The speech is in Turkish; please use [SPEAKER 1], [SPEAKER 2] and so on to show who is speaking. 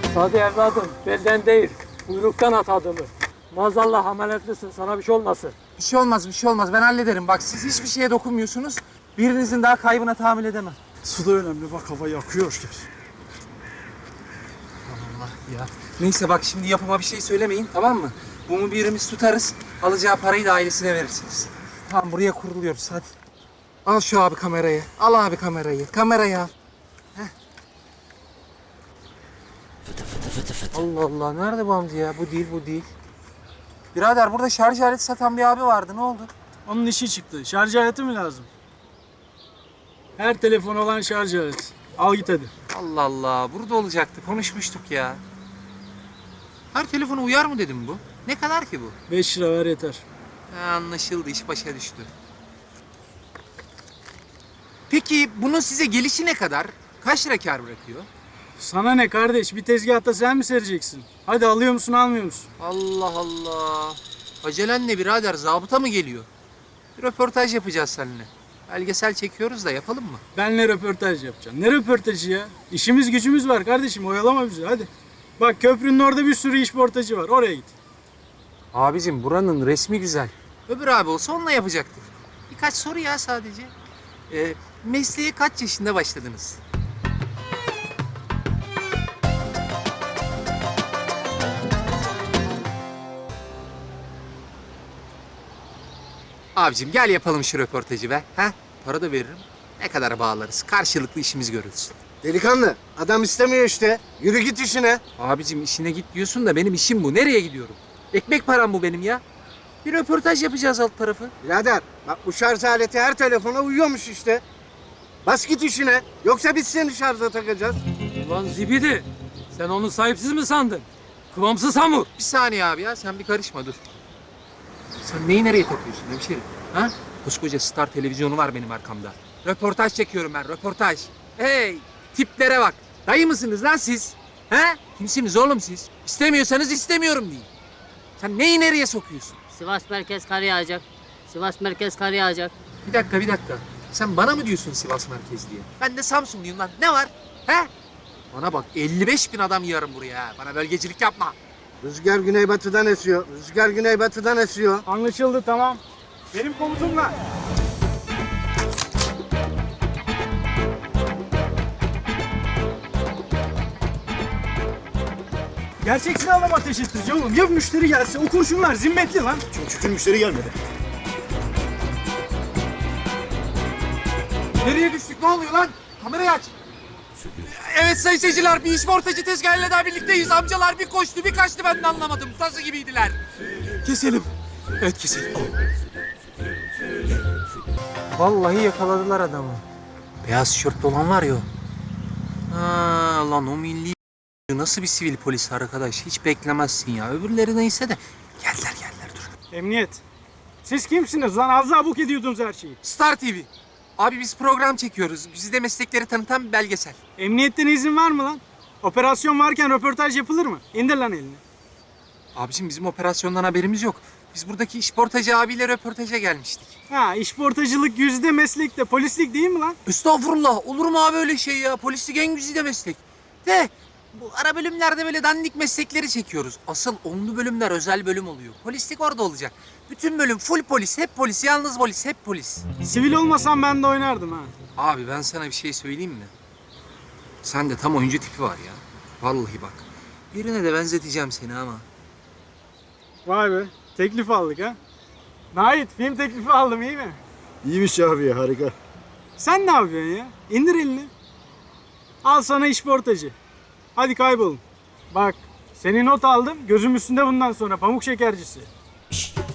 [SPEAKER 1] Sadi evladım, belden değil, kuyruktan at adımı. Maazallah ameliyatlisin, sana bir şey olmasın.
[SPEAKER 2] Bir şey olmaz, bir şey olmaz. Ben hallederim. Bak siz hiçbir şeye dokunmuyorsunuz. Birinizin daha kaybına tahammül edemem.
[SPEAKER 3] Su da önemli, bak hava yakıyor.
[SPEAKER 2] Allah ya. Neyse bak şimdi yapıma bir şey söylemeyin, tamam mı? Bunu birimiz tutarız, alacağı parayı da ailesine verirsiniz. Tamam, buraya kuruluyoruz, hadi. Al şu abi kamerayı, al abi kamerayı. Kamerayı al. Heh. Allah Allah, nerede bu amca ya? Bu değil, bu değil. Birader burada şarj aleti satan bir abi vardı, ne oldu?
[SPEAKER 3] Onun işi çıktı. Şarj aleti mi lazım? Her telefon olan şarj aleti. Al git hadi.
[SPEAKER 2] Allah Allah, burada olacaktı, konuşmuştuk ya. Her telefona uyar mı dedim bu? Ne kadar ki bu?
[SPEAKER 3] 5 lira ver yeter.
[SPEAKER 2] Anlaşıldı, iş başa düştü. Peki bunun size gelişi ne kadar? Kaç lira kâr bırakıyor?
[SPEAKER 3] Sana ne kardeş? Bir tezgahta sen mi sereceksin? Hadi alıyor musun, almıyor musun?
[SPEAKER 2] Allah Allah. Acelen ne birader? Zabıta mı geliyor? Bir röportaj yapacağız seninle. Belgesel çekiyoruz da yapalım mı?
[SPEAKER 3] Benle röportaj yapacaksın. Ne röportajı ya? İşimiz gücümüz var kardeşim. Oyalama bizi hadi. Bak köprünün orada bir sürü işportacı var. Oraya git.
[SPEAKER 2] Abicim buranın resmi güzel. Öbür abi olsa onunla yapacaktık. Birkaç soru ya sadece. Mesleğe kaç yaşında başladınız? Abicim gel yapalım şu röportajı be. Ha? Para da veririm. Ne kadar bağlarız. Karşılıklı işimiz görülsün.
[SPEAKER 4] Delikanlı, adam istemiyor işte. Yürü git işine.
[SPEAKER 2] Abicim işine git diyorsun da benim işim bu. Nereye gidiyorum? Ekmek param bu benim ya. Bir röportaj yapacağız alt tarafı.
[SPEAKER 4] Birader, bak bu şarj aleti her telefona uyuyormuş işte. Bas git işine. Yoksa biz seni şarja takacağız.
[SPEAKER 1] Ulan zibidi, sen onu sahipsiz mi sandın? Kıvamsız hamur.
[SPEAKER 2] Bir saniye abi ya, sen bir karışma dur. Sen neyi nereye takıyorsun hemşerim? Ha? Koskoca Star televizyonu var benim arkamda. Röportaj çekiyorum ben, röportaj. Hey, tiplere bak. Dayı mısınız lan siz? Ha? Kimsiniz oğlum siz? İstemiyorsanız istemiyorum deyin. Sen neyi nereye sokuyorsun?
[SPEAKER 5] Sivas merkez kar yağacak. Sivas merkez kar yağacak.
[SPEAKER 2] Bir dakika, bir dakika. Sen bana mı diyorsun Sivas merkez diye? Ben de Samsunluyum lan. Ne var? He? Bana bak, 55 bin adam yığarım buraya ha. Bana bölgecilik yapma.
[SPEAKER 4] Rüzgar güneybatıdan esiyor. Rüzgar güneybatıdan esiyor.
[SPEAKER 3] Anlaşıldı tamam. Benim komutumla. Gerçek silahla mı ateş ettireceğim oğlum? Ya müşteri gelse? O kurşunlar zimmetli lan.
[SPEAKER 6] Çok şükür müşteri gelmedi.
[SPEAKER 2] Nereye düştük? Ne oluyor lan? Kamerayı aç. Evet sayın seyirciler, bir işportacı tezgahıyla daha birlikteyiz. Amcalar bir koştu, bir kaçtı, ben de anlamadım. Sazı gibiydiler.
[SPEAKER 6] Keselim. Evet keselim.
[SPEAKER 2] Vallahi yakaladılar adamı. Beyaz tişörtlü olan var ya o. Ha, lan o milli nasıl bir sivil polis arkadaş? Hiç beklemezsin ya. Öbürleri neyse de. Geldiler dur.
[SPEAKER 3] Emniyet. Siz kimsiniz lan? Az daha buk ediyordunuz her şeyi.
[SPEAKER 2] Star TV. Abi biz program çekiyoruz. Güzide meslekleri tanıtan bir belgesel.
[SPEAKER 3] Emniyetten izin var mı lan? Operasyon varken röportaj yapılır mı? İndir lan elini.
[SPEAKER 2] Abiciğim bizim operasyondan haberimiz yok. Biz buradaki işportacı abiyle röportaja gelmiştik.
[SPEAKER 3] Ha, işportacılık yüzde meslekte, polislik değil mi lan?
[SPEAKER 2] Estağfurullah. Olur mu abi öyle şey ya? Polislik en güzide meslek. De bu ara bölümlerde böyle dandik meslekleri çekiyoruz. Asıl onlu bölümler özel bölüm oluyor. Polislik orada olacak. Bütün bölüm full polis, hep polis, yalnız polis, hep polis.
[SPEAKER 3] Sivil olmasam ben de oynardım ha.
[SPEAKER 2] Abi ben sana bir şey söyleyeyim mi? Sende tam oyuncu tipi var ya. Vallahi bak. Birine de benzeteceğim seni ama.
[SPEAKER 3] Vay be, teklif aldık ha. Nait, film teklifi aldım iyi mi?
[SPEAKER 6] İyiymiş abi ya, harika.
[SPEAKER 3] Sen ne yapıyorsun ya? İndir elini. Al sana işportacı. Hadi kaybolun. Bak, seni not aldım. Gözüm üstünde bundan sonra pamuk şekercisi.